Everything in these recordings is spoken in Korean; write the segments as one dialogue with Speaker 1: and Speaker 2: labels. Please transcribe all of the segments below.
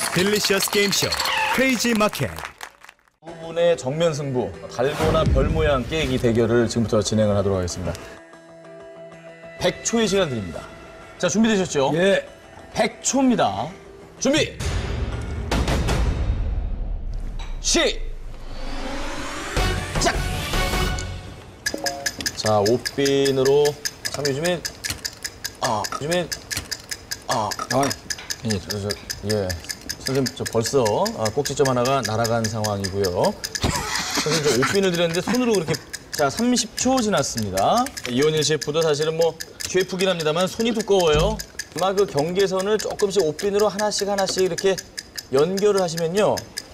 Speaker 1: 딜리셔스 게임쇼 크레이지 마켓.
Speaker 2: 두 분의 정면 승부, 달고나 별 모양 깨기 대결을 지금부터 진행을 하도록 하겠습니다. 100초의 시간 드립니다. 자, 준비되셨죠?
Speaker 3: 예.
Speaker 2: 100초입니다. 준비! 시작! 자, 옷빈으로 참 요즘에 예. 선생님, 저 벌써 꼭지점 하나가 날아간 상황이고요. 선생님, 저 옷빈을 드렸는데 손으로 그렇게. 자, 30초 지났습니다. 이원일 셰프도 사실은 뭐 셰프긴 합니다만 손이 두꺼워요. 아마 그 경계선을 조금씩 옷빈으로 하나씩 이렇게 연결을 하시면요.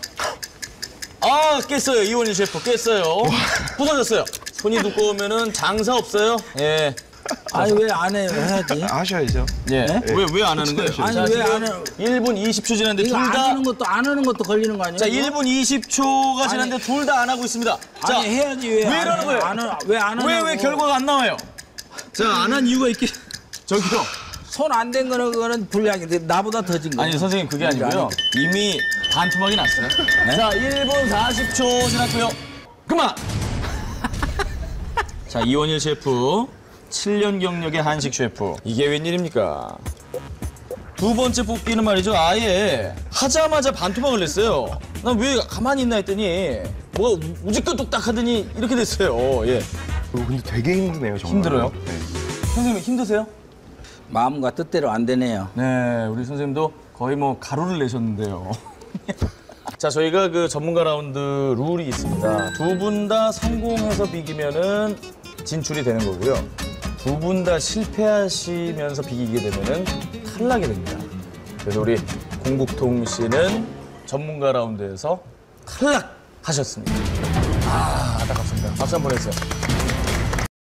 Speaker 2: 아, 깼어요. 이원일 셰프 깼어요. 부서졌어요. 손이 두꺼우면은 장사 없어요. 예.
Speaker 3: 아니 왜 안 해요? 해야지.
Speaker 4: 하셔야죠.
Speaker 2: 예. 왜 안 하는 거예요?
Speaker 3: 아니
Speaker 2: 자,
Speaker 3: 왜
Speaker 2: 지금
Speaker 3: 안 해요?
Speaker 2: 1분 20초 지났는데
Speaker 3: 이거
Speaker 2: 둘
Speaker 3: 안
Speaker 2: 다.
Speaker 3: 하는 것도 안 하는 것도 걸리는 거 아니에요?
Speaker 2: 자,
Speaker 3: 이거?
Speaker 2: 1분 20초가 지났는데 둘 다 안 하고 있습니다. 자,
Speaker 3: 아니 해야지 왜?
Speaker 2: 왜 이러는 거예요?
Speaker 3: 왜안 하냐고?
Speaker 2: 왜 결과가 안 나와요? 자, 안 한 이유가 있긴. 저기요.
Speaker 3: 손 안 된 거는 그거는 불리하게 나보다 더 진 거예요.
Speaker 2: 아니, 선생님 그게 아니고요. 이미 반토막이 났어요. 네? 자, 1분 40초 지났고요. 그만! 자, 이원일 셰프. 7년 경력의 한식 셰프. 이게 웬일입니까? 두 번째 뽑기는 말이죠. 아예 하자마자 반토막을 냈어요. 난 왜 가만히 있나 했더니 뭐가 우지껏 뚝딱 하더니 이렇게 됐어요. 예.
Speaker 4: 근데 되게 힘드네요, 정말.
Speaker 2: 힘들어요?
Speaker 4: 네.
Speaker 2: 선생님 힘드세요?
Speaker 3: 마음과 뜻대로 안 되네요.
Speaker 2: 네, 우리 선생님도 거의 뭐 가루를 내셨는데요. 자, 저희가 그 전문가 라운드 룰이 있습니다. 두 분 다 성공해서 비기면은 진출이 되는 거고요. 두 분 다 실패하시면서 비기게 되면은 탈락이 됩니다. 그래서 우리 공국통 씨는 전문가 라운드에서 탈락하셨습니다. 아, 안타깝습니다. 박수 한번 해주세요.